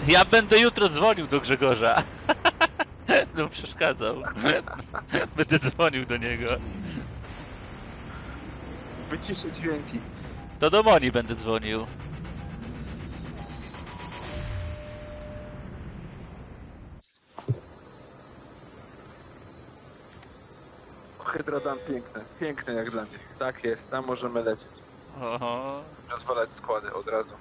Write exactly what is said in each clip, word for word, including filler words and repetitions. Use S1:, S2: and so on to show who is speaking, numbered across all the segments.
S1: Ja będę jutro dzwonił do Grzegorza. No przeszkadzał. Będę dzwonił do niego.
S2: Wyciszę dźwięki.
S1: To do Moni będę dzwonił.
S2: Hydrodam piękne, piękne jak dla mnie. Tak jest, tam możemy lecieć.
S1: Oho.
S2: Rozwalać składy od razu.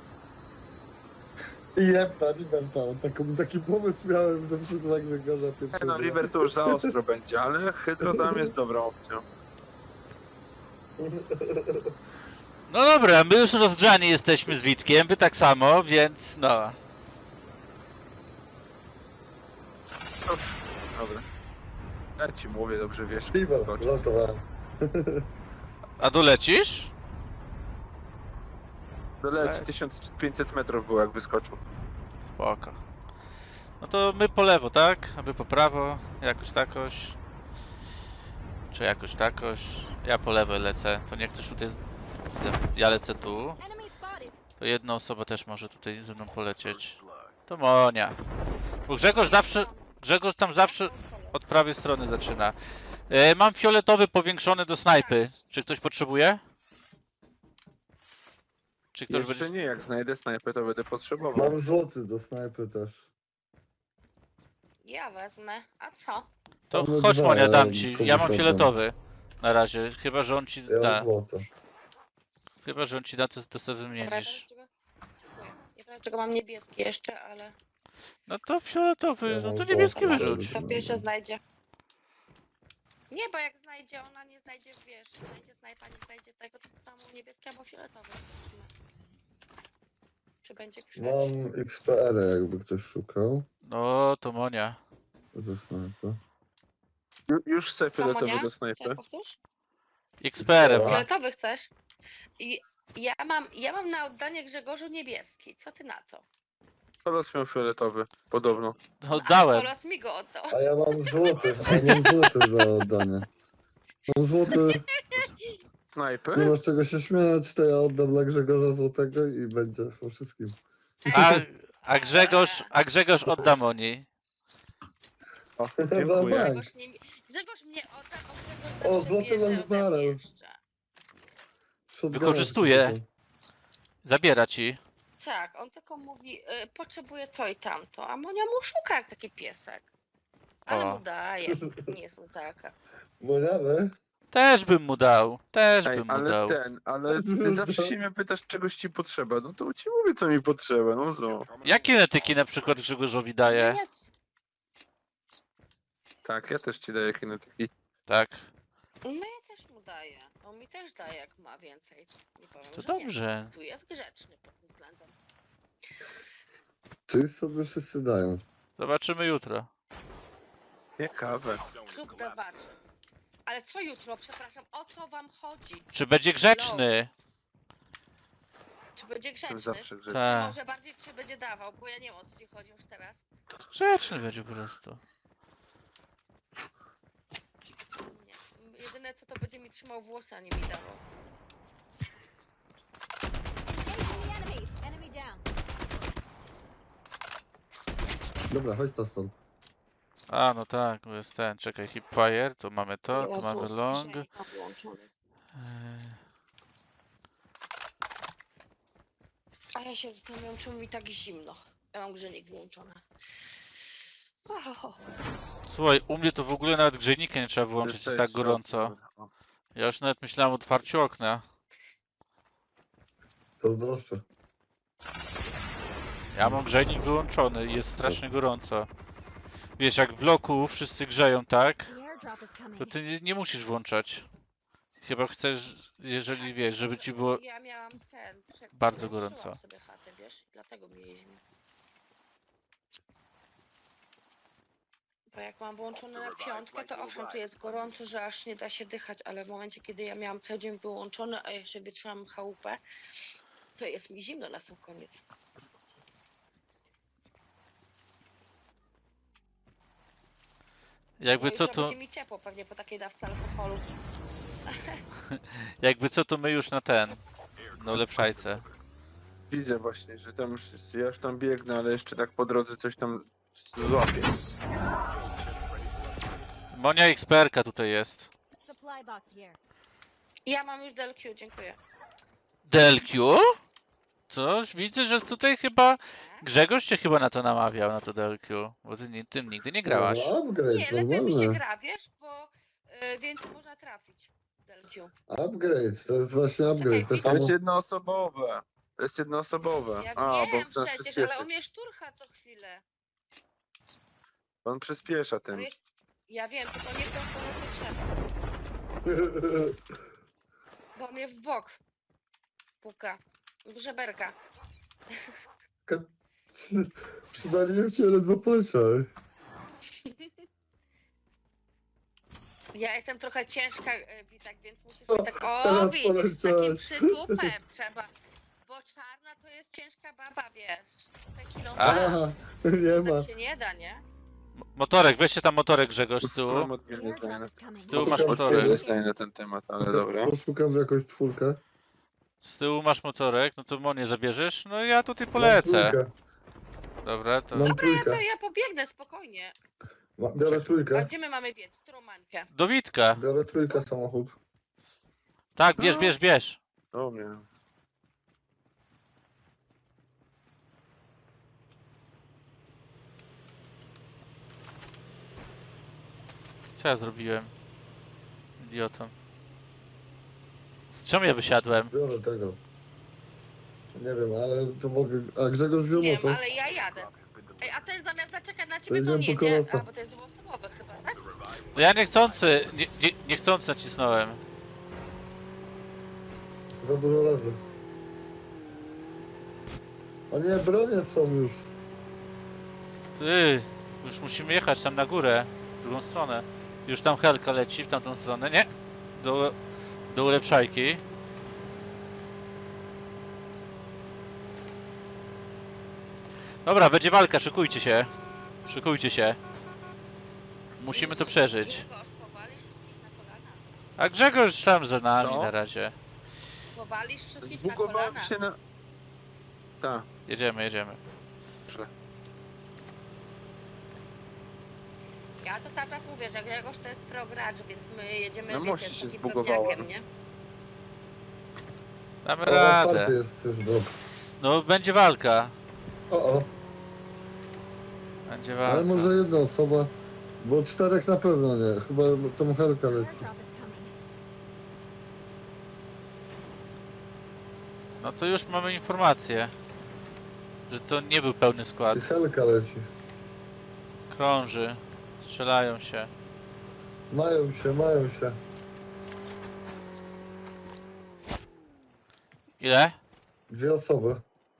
S3: Jebta, Liberta, taki, taki pomysł miałem do przodu tak Grzegorza
S2: E,
S3: pierwszego.
S2: no River to już za ostro będzie, ale Hydrodam jest dobrą opcją.
S1: No dobra, my już rozgrzani jesteśmy z Witkiem, wy tak samo, więc no.
S2: Dobra. Ja ci mówię, dobrze wiesz.
S3: Liber,
S2: skocz.
S3: żartowałem.
S1: A dolecisz?
S2: Doleci, tysiąc pięćset metrów było jak wyskoczył.
S1: Spoko. No to my po lewo, tak? A wy po prawo, jakoś takoś. Czy jakoś takoś. Ja po lewo lecę, to nie chcesz tutaj... Ja lecę tu. To jedna osoba też może tutaj ze mną polecieć. To Monia. Bo Grzegorz zawsze... Grzegorz tam zawsze od prawej strony zaczyna. E, mam fioletowy powiększony do snajpy. Czy ktoś potrzebuje? Czy ktoś
S2: Jeszcze
S1: będzie...
S2: nie, jak znajdę snajpę, to będę potrzebował.
S3: Mam złoty do snajpy też.
S4: Ja wezmę. A co?
S1: To
S3: Mamy
S1: chodź
S3: dwa,
S1: Monia,
S3: ja
S1: dam ci.
S3: komuś
S1: Ja mam
S3: oddam.
S1: fioletowy. Na razie. Chyba, że on ci
S3: Ja
S1: da.
S3: mam złote.
S1: Chyba, że on ci da, to, to sobie
S4: Nie
S1: wymienisz.
S4: wiem, Dziękuję. Nie wiem, czego mam niebieski jeszcze, ale
S1: No to fioletowy,
S3: Ja
S1: no
S3: mam
S1: to
S3: złoty.
S1: niebieski
S3: Dobra.
S1: wyrzuć.
S4: to pierwsze znajdzie. Nie, bo jak znajdzie, ona nie znajdzie, wiesz, znajdzie snajpa, nie znajdzie tego, to tam niebieski albo fioletowy. Czy będzie grzeć?
S3: Mam X P R, jakby ktoś szukał.
S1: No to Monia.
S3: Ze snajpy.
S2: Ju- Już chcę
S4: Co,
S2: fioletowy
S4: Monia?
S2: do
S4: Chcesz,
S2: snajpy.
S4: powtórz?
S1: X P R ma.
S4: Fioletowy chcesz? I ja mam, ja mam na oddanie Grzegorzu niebieski. Co ty na to?
S2: Kolos miał fioletowy, podobno.
S1: Oddałem.
S4: Kolos mi go oddał.
S3: A ja mam złoty, a ja mam złoty do oddania. Mam złoty, nie
S2: Snajpy?
S3: masz czego się śmiać, to ja oddam dla Grzegorza złotego i będzie po wszystkim.
S1: A, a Grzegorz, a Grzegorz odda Moni.
S2: O,
S3: Dobra,
S2: dziękuję.
S3: tak.
S4: Grzegorz, nie, Grzegorz mnie odda, bo
S3: O,
S4: Grzegorz
S3: złoty
S4: bierze ode mnie
S3: Lazarek.
S4: jeszcze.
S3: Shotguna
S1: Wykorzystuje.
S3: tylko.
S1: Zabiera ci.
S4: Tak, on tylko mówi, y, potrzebuje to i tamto, a Monia mu szuka jak taki piesek. Ale
S1: O.
S4: mu daje, nie jest taka.
S3: Moniane?
S1: Też bym mu dał. Też
S2: Ej,
S1: bym mu
S2: ale
S1: dał.
S2: ten, ale ty zawsze się mnie pytasz, czegoś ci potrzeba. No to ci mówię, co mi potrzeba, no co?
S1: Jakie netyki na przykład Grzegorzowi daje?
S4: Nie,
S2: Tak, ja też ci daję kinetyki.
S1: Tak.
S4: no ja też mu daję. On mi też daje jak ma więcej. Nie powiem,
S1: To
S4: że
S1: dobrze.
S4: Nie. Tu jest grzeczny pod tym względem.
S3: Czyli sobie wszyscy dają.
S1: Zobaczymy jutro.
S2: Ciekawe.
S4: Klub dawaczy. Ale co jutro? Przepraszam, o co wam chodzi?
S1: Czy będzie grzeczny?
S4: Czy będzie
S2: Jestem
S4: grzeczny?
S2: zawsze grzeczny.
S1: Tak.
S4: Może bardziej czy będzie dawał, bo ja nie wiem o co ci chodzi już teraz.
S1: Grzeczny będzie po prostu.
S4: Nie. Jedyne co to będzie mi trzymał włosy, a nie mi dawał.
S5: Engaging the enemies. Enemy down.
S3: Dobra, chodź to stąd.
S1: A no tak, bo jest ten. Czekaj, hipfire, tu mamy to, tu
S4: Jezus,
S1: mamy long.
S4: dzisiaj mam wyłączony.
S1: Eee,
S4: A ja się zastanawiam, czemu mi tak zimno. Ja mam grzejnik wyłączony. Wow.
S1: Słuchaj, u mnie to w ogóle nawet grzejnika nie trzeba wyłączyć, jest tak gorąco.
S2: O,
S1: Ja już nawet myślałem o otwarciu okna.
S3: Pozdroszczę.
S1: Ja mam grzejnik wyłączony i jest strasznie gorąco. Wiesz, jak w bloku wszyscy grzeją, tak?
S5: The airdrop is coming.
S1: To ty nie, nie musisz włączać. Chyba chcesz, jeżeli wiesz, żeby ci było...
S4: Ja miałam ten. trzech-
S1: Bardzo
S4: zniszczyłam
S1: gorąco.
S4: sobie chatę, wiesz? Dlatego mi jest zimno. Bo jak mam włączone na piątkę, to owszem, tu jest gorąco, że aż nie da się dychać, ale w momencie, kiedy ja miałam cały dzień wyłączony, a jeszcze wietrzyłam chałupę, to jest mi zimno na sam koniec.
S1: Jakby
S4: No
S1: co
S4: jutro
S1: to...
S4: będzie mi ciepło pewnie po takiej dawce alkoholu.
S1: Jakby co to my już na ten... No lepszajce.
S2: Widzę właśnie, że tam już, ja już tam biegnę, ale jeszcze tak po drodze coś tam złapię.
S1: Monia eksperka tutaj jest.
S5: Supply box here.
S4: Ja mam już D L Q, dziękuję.
S1: D L Q? Coś widzę, że tutaj chyba Grzegorz cię chyba na to namawiał, na to D L Q. Bo ty ni- tym nigdy nie grałaś.
S3: No, upgrade,
S4: Nie, lepiej mi się
S3: normalne.
S4: gra, wiesz, bo y, więcej można trafić w D L Q.
S3: Upgrade, to jest właśnie upgrade. To
S4: Czekaj,
S2: To
S3: samo...
S2: jest jednoosobowe. To jest jednoosobowe.
S4: Ja
S2: A, bo
S4: wiem
S2: chcę
S4: przecież, ale
S2: przyspieszyć.
S4: on mnie szturcha co chwilę.
S2: On przyspiesza
S4: On
S2: tym.
S4: mnie... Ja wiem, tylko nie w tą stronę co trzeba, bo mnie w bok puka, w żeberka.
S3: Przywaliłem cię, ledwo poleciałeś.
S4: Ja jestem trochę ciężka, y, Witek, więc musisz
S3: O,
S4: mi tak, o
S3: teraz
S4: widzisz, z takim
S3: poleciałeś.
S4: przytupem trzeba, bo czarna to jest ciężka baba, wiesz, te kilo
S3: Aha, nie ma.
S4: tak się nie da, nie?
S1: M- Motorek, weźcie tam motorek Grzegorz z
S2: Mam
S1: tyłu.
S2: odmienne zdanie
S5: Airdrop
S2: na,
S5: is coming.
S1: Z tyłu masz
S3: Odmienne
S1: motorek.
S2: odmienne zdanie na ten temat, ale dobra.
S3: Poszukam jakąś czwórkę.
S1: Z tyłu masz motorek, no to Monię zabierzesz, no ja tutaj
S3: Mam
S1: polecę.
S3: trójkę.
S1: Dobra, to
S3: Mam
S4: Dobra, ja,
S3: trójkę.
S4: to ja pobiegnę spokojnie.
S3: Ma- Biorę
S4: A
S3: trójkę.
S4: gdzie my mamy biec? W którą mańkę?
S1: do Witka.
S3: Biorę trójkę samochód.
S1: Tak, bierz, bierz, bierz.
S2: O mnie.
S1: Co ja zrobiłem? Idiotą. Z czemu ja wysiadłem?
S3: Biorę tego. Nie wiem, ale to mogę... A Grzegorz wziął
S4: Nie wiem,
S3: motor?
S4: ale ja jadę. Ej, a ten zamiast zaczekać na
S3: To
S4: ciebie, to on
S3: idziemy po
S4: jedzie.
S3: kołosa.
S4: A, bo to jest dwuosobowy chyba, tak?
S1: No ja niechcący, nie, nie, niechcący nacisnąłem.
S3: Za dużo razy. O nie, bronie są już.
S1: Ty, już musimy jechać tam na górę, w drugą stronę. Już tam helka leci w tamtą stronę, nie? Do, do ulepszajki. Dobra, będzie walka, szykujcie się. Szykujcie się. Musimy to przeżyć.
S4: Grzegorz, powalisz wszystkich na kolana.
S1: A Grzegorz tam za nami
S2: Co?
S1: na razie.
S4: Powalisz wszystkich na
S2: Zbugowałem
S4: kolana.
S2: się na... Tak,
S1: Jedziemy, jedziemy.
S2: dobrze.
S4: Ja to cały czas mówię, że Grzegorz to jest pro gracz, więc my jedziemy,
S2: Na
S4: wiecie,
S2: moście
S4: z
S2: się
S4: takim
S2: zbugowałem.
S4: pewniakiem, nie?
S1: Damy
S3: O, otwarty
S1: radę.
S3: jest już drop.
S1: No będzie walka.
S3: O, o.
S1: Będzie
S3: Ale
S1: walka.
S3: może jedna osoba. Bo czterech na pewno nie. Chyba tą helka leci.
S5: Airdrop is coming.
S1: No to już mamy informację, że to nie był pełny skład.
S3: I helka leci.
S1: Krąży, strzelają się.
S3: Mają się, mają się.
S1: Ile?
S3: Dwie osoby.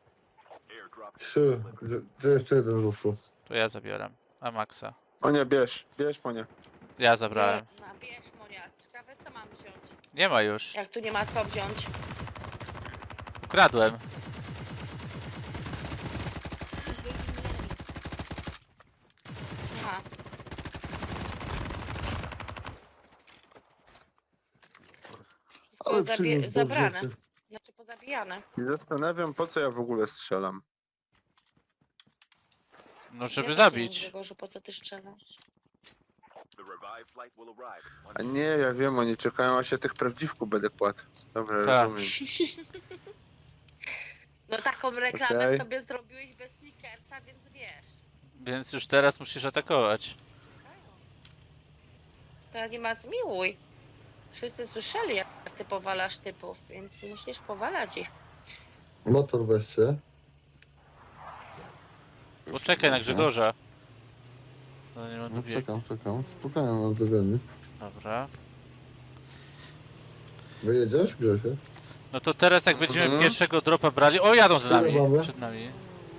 S3: Trzy. Gdzie, gdzie jeszcze jeden ruszył?
S1: To ja zabieram. A Maxa.
S2: Monia, bierz, bierz Monia.
S1: Ja zabrałem.
S4: No, bierz, Monia, ciekawe co mam wziąć.
S1: Nie ma już.
S4: Jak tu nie ma co wziąć.
S1: Ukradłem.
S5: Engaging the enemy.
S4: Aha. Wszystko
S3: Ale
S4: zabie-
S3: przyniósł
S4: zabrane.
S3: rzeczy.
S4: Znaczy pozabijane.
S2: I zastanawiam, po co ja w ogóle strzelam.
S1: No żeby
S4: Ja też
S1: zabić.
S4: Nie wiem, Grzegorzu, po co ty strzelasz?
S2: A nie, ja wiem, oni czekają, a się tych prawdziwków będę kładł. Dobra,
S1: Tak.
S2: rozumiem.
S4: No taką reklamę
S2: Okej.
S4: sobie zrobiłeś bez sneakersa, więc wiesz.
S1: Więc już teraz musisz atakować.
S4: To nie ma zmiłuj. Wszyscy słyszeli, jak ty powalasz typów, więc musisz powalać ich.
S3: Motor weźcie.
S1: Poczekaj na Grzegorza. No nie ma
S3: No,
S1: dobiegu.
S3: czekam, czekam. Spokojnie na dogoni.
S1: Dobra.
S3: Wyjedziesz, Grzesie?
S1: No to teraz jak będziemy
S2: Mhm.
S1: pierwszego dropa brali... O, jadą za
S3: Ile
S1: nami.
S3: mamy?
S1: Przed nami.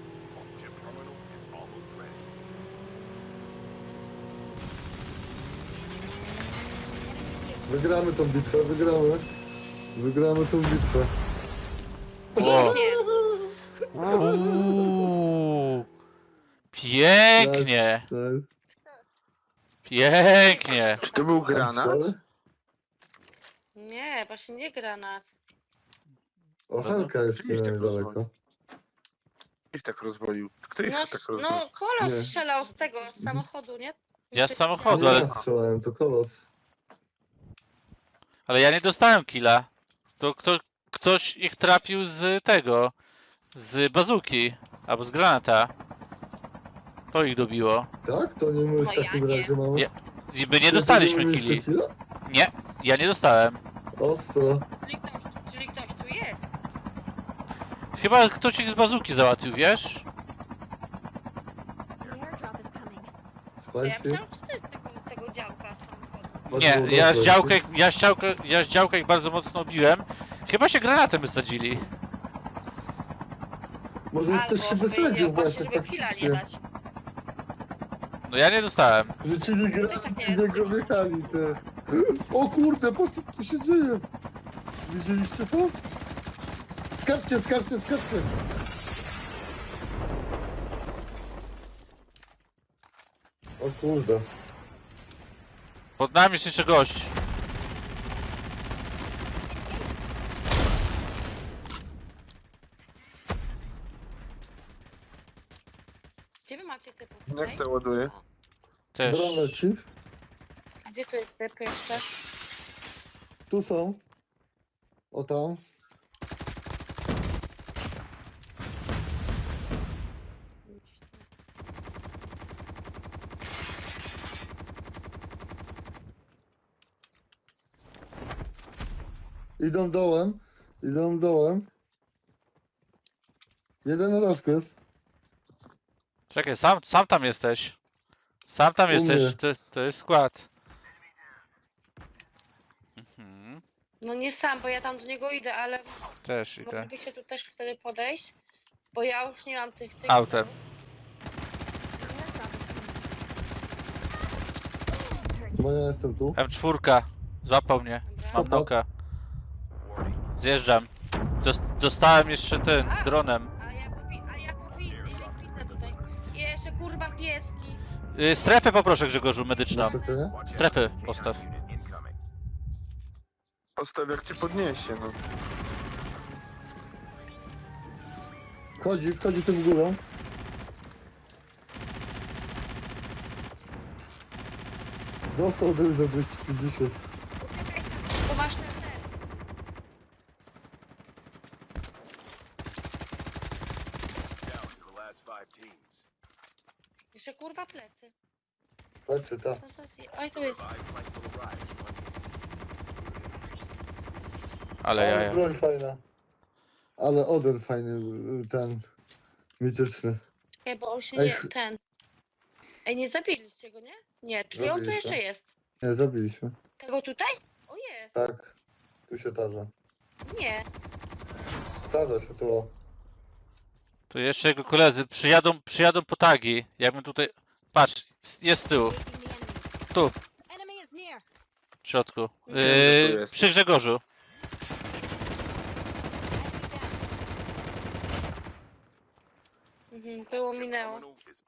S3: Wygramy tą bitwę, wygramy. Wygramy tą bitwę.
S1: O.
S4: Nie,
S1: Uuu. Pięknie.
S3: Tak.
S1: Pięknie.
S2: Czy to był
S3: M
S2: granat?
S3: cztery?
S4: nie, właśnie nie granat.
S3: O, helka jest
S2: Oczywiście
S3: niedaleko.
S2: Ich tak rozwalił. Kto ich
S4: No,
S2: tak
S4: s-
S2: rozwalił?
S4: no kolos
S3: Nie.
S4: strzelał z tego, z samochodu, nie?
S1: Ja z
S4: Ty
S1: samochodu,
S3: Nie
S4: widziałeś?
S1: ale-
S3: ja strzelałem, to kolos.
S1: Ale ja nie dostałem killa. To kto, ktoś ich trafił z tego, z bazuki, albo z granata. To ich dobiło.
S3: Tak? To nie my w
S4: No ja
S3: takim
S4: nie.
S3: razie mamy.
S1: Nie. I my nie
S3: Ty,
S1: dostaliśmy
S3: ty nie mieliśmy
S1: killi.
S3: killa?
S1: Nie, ja nie dostałem.
S3: Ostro.
S4: Czyli ktoś, czyli ktoś tu jest.
S1: Chyba ktoś ich z bazuki załatwił, wiesz?
S5: The airdrop is coming.
S4: To ja
S3: Spicy.
S4: myślałam, że to jest tego, tego działka z samochodu.
S1: Nie,
S3: Bardzo
S1: ja z
S3: dobre.
S1: działkę, ja z działkę, ja z działkę ich bardzo mocno biłem. Chyba się granatem wysadzili.
S3: Może
S4: Albo,
S3: ktoś się
S4: żeby,
S3: wysadził
S4: nie, właśnie,
S3: właśnie
S4: żeby killa
S3: faktycznie.
S4: nie dać.
S1: No ja nie dostałem.
S3: Rzucili
S4: też
S3: granaty,
S4: tak nie
S3: ci niego
S4: rzucili.
S3: wjechali te. O kurde, po co tu się dzieje? Widzieliście to? Skaczcie, skaczcie, skaczcie! O kurde.
S1: Pod nami jest jeszcze gość.
S4: Gdzie wy macie typów
S2: Jak
S4: tutaj?
S2: to ładuje?
S1: Też.
S3: Dron leci.
S4: A gdzie tu jest typ jeszcze?
S3: Tu są. O tam. Idą dołem. Idą dołem. Jeden na daszku jest.
S1: Czekaj, sam, sam tam jesteś. Sam tam
S3: U
S1: jesteś,
S3: mnie.
S1: to, to jest skład. Mhm.
S4: No nie sam, bo ja tam do niego idę, ale
S1: Też idę.
S4: moglibyście tu też wtedy podejść, bo ja już nie mam tych... tych
S1: Autem.
S5: The airdrop is coming.
S3: Bo ja jestem tu.
S1: M cztery. Złapał mnie.
S4: Dobra.
S1: Mam noka. Zjeżdżam. Dos- dostałem jeszcze ten,
S4: A!
S1: dronem.
S4: A ja go, wi- a ja go widzę, ja ich widzę tutaj. Jeszcze kurwa pieski.
S1: Y, strefę poproszę Grzegorzu, medyczną.
S3: Na przecenie?
S1: Strefy postaw.
S2: Postaw jak cię podniesie, no.
S3: Wchodzi, wchodzi tym górą. Dostał dym za dwieście pięćdziesiąt.
S4: Czekaj, bo masz ten, ten. Jeszcze kurwa plecy.
S3: Patrzcie, ta.
S4: Co za zje- Oj, tu jest.
S1: Ale
S3: Ale
S1: jaja.
S3: broń fajna. Ale Oden fajny, ten mityczny.
S4: Ej, bo on się
S3: Ej,
S4: nie...
S3: ch-
S4: ten... Ej, nie zabiliście go, nie? Nie, czyli on tu
S3: Zabiliśmy.
S4: jeszcze jest.
S3: Nie, zabiliśmy.
S4: Tego tutaj? O, jest.
S3: Tak. Tu się tarza.
S4: Nie.
S3: Tarza się tu. O.
S1: Tu jeszcze jego koledzy przyjadą, przyjadą po tagi. Jakbym tutaj... Patrz, jest z tyłu,
S5: Engaging the enemy.
S1: tu,
S5: Enemy is near.
S1: w środku.
S2: Wiem, że tu
S1: Yy,
S2: jest.
S1: przy Grzegorzu.
S5: Enemy down.
S4: Mhm, było, minęło.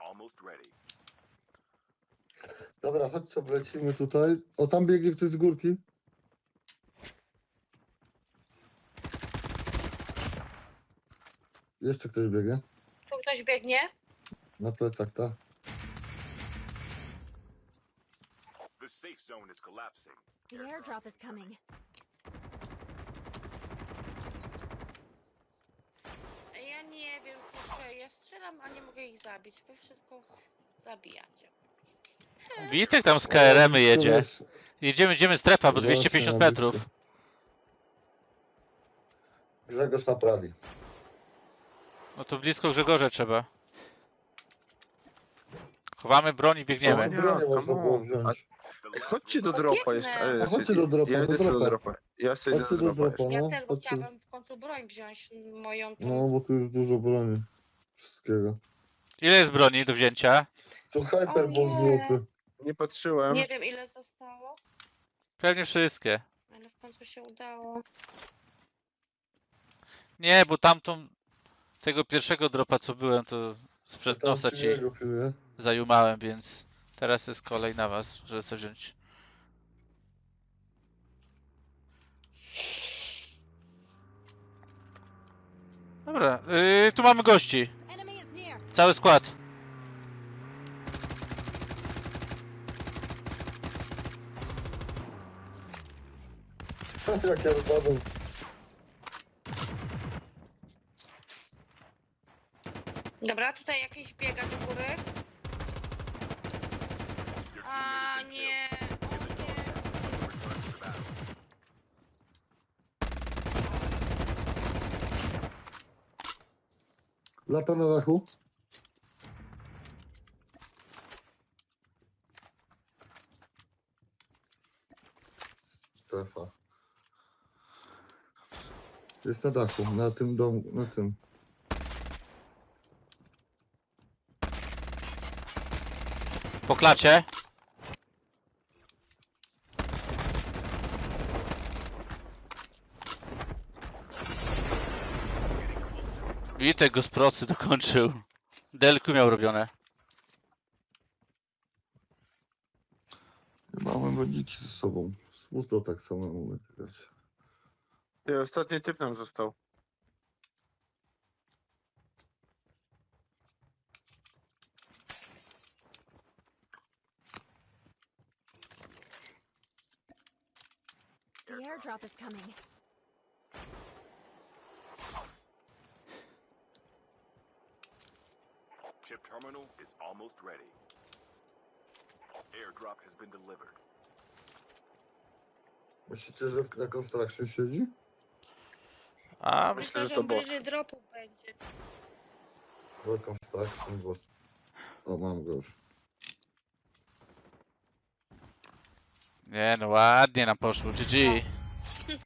S3: Dobra, chodź co, lecimy tutaj. O, tam biegnie ktoś z górki. Jeszcze ktoś biegnie.
S4: Tu ktoś biegnie?
S3: Na plecach, tak.
S5: The airdrop is coming.
S4: Ej, ja nie wiem, kurczę, ja strzelam, a nie mogę ich zabić. Wy wszystko zabijacie.
S1: Witek tam z K R M-y jedzie.
S3: Wiesz,
S1: Jedziemy, idziemy strefa, bo
S3: Właśnie,
S1: dwieście pięćdziesiąt
S3: na
S1: metrów.
S3: blisko. Grzegorz naprawi.
S1: No to blisko Grzegorza trzeba. Chowamy broń i
S3: O,
S1: biegniemy.
S2: Nie,
S3: bronię można
S2: come
S3: było
S2: on.
S3: wziąć.
S2: Ej, chodźcie do dropa jeszcze.
S4: Pobiegnę.
S2: Ej,
S3: A chodźcie do dropa,
S2: Ja
S3: do
S2: idę sobie do
S3: dropa.
S2: dropa. Ja sobie idę
S3: Chodźcie
S2: do
S3: do
S2: dropa
S3: dropa,
S2: jeszcze.
S4: Ja
S3: no.
S4: też, bo
S3: Chodźcie.
S4: chciałabym w końcu broń wziąć, moją tą.
S3: No, bo tu jest dużo broni. Wszystkiego.
S1: Ile jest broni do wzięcia?
S3: To hyperball
S4: nie.
S3: złoty.
S2: Nie patrzyłem.
S4: Nie wiem ile zostało,
S1: Pewnie wszystkie.
S4: ale w końcu się udało.
S1: Nie, bo tamtą... Tego pierwszego dropa co byłem, to sprzed
S3: Tam
S1: nosa ci
S3: silnego pilnuje.
S1: zajumałem, więc teraz jest kolej na was, żeby chcę wziąć. Dobra, yy, tu mamy gości.
S5: Enemy
S1: Cały skład.
S3: Jak ja zbadam.
S4: Dobra, tutaj jakiś biega do góry. A nie. O nie.
S3: Lata na dachu. Strefa. Jest na dachu, na tym domu, na tym.
S1: Po klacie. Witek go z procy dokończył. Delku miał robione.
S3: Mamy badziki ze sobą. Smutno tak samemu będzie grać.
S2: Ty, ostatni typ nam został.
S5: The airdrop is coming.
S6: Chip terminal is almost ready. Airdrop has been delivered.
S3: Myślicie, że na construction siedzi?
S1: A
S2: Myślę,
S4: Myślę,
S2: że
S4: że
S2: to
S4: on
S2: bot.
S4: bliżej dropu będzie.
S3: Na construction, bo... O, mam go już.
S1: nie no ładnie nam poszło. G G.